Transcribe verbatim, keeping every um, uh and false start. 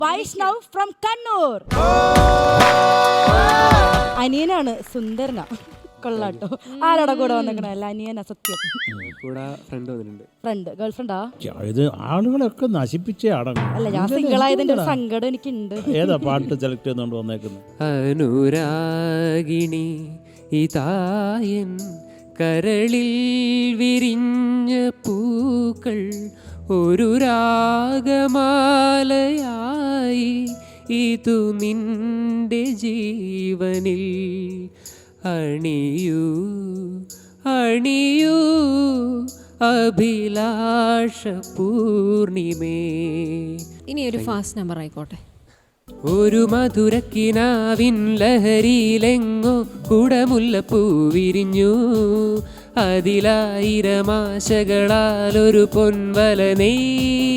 Vaishnav from Kannur. അനിയനാണ്, സുന്ദരനാ, കൊള്ളാട്ടോ. ആരോടെ കൂടെ വന്നേക്കണ? അല്ല അനിയനാ, സത്യം. ഫ്രണ്ട്, ഗേൾ ഫ്രണ്ടാ? ഇത് ആളുകളൊക്കെ നശിപ്പിച്ചേ അടങ്ങും. അല്ല, ഞാൻ സിംഗിൾ ആയതിന്റെ ഒരു സങ്കടം എനിക്കുണ്ട്. ഏതാ പാട്ട് സെലക്ട് ചെയ്തുകൊണ്ട് വന്നേക്കുന്നത്? അനുരാഗിണി ഇതായൻ കരളിൽ വിരിഞ്ഞ പൂക്കൾ ഒരു രാഗമാലയായി ഇതു നിന്റെ ജീവനിൽ അണിയൂ അണിയൂ അഭിലാഷ പൂർണിമേ. ഇനി ഒരു ഫാസ്റ്റ് നമ്പർ ആയിക്കോട്ടെ. ഒരു മധുരക്കിനാവിൻ ലഹരിയിലെങ്ങോ കുടമുല്ലപ്പൂ വിരിഞ്ഞു, അതിലായിരമാശകളാൽ ഒരു പൊൻവല നെയ്തു.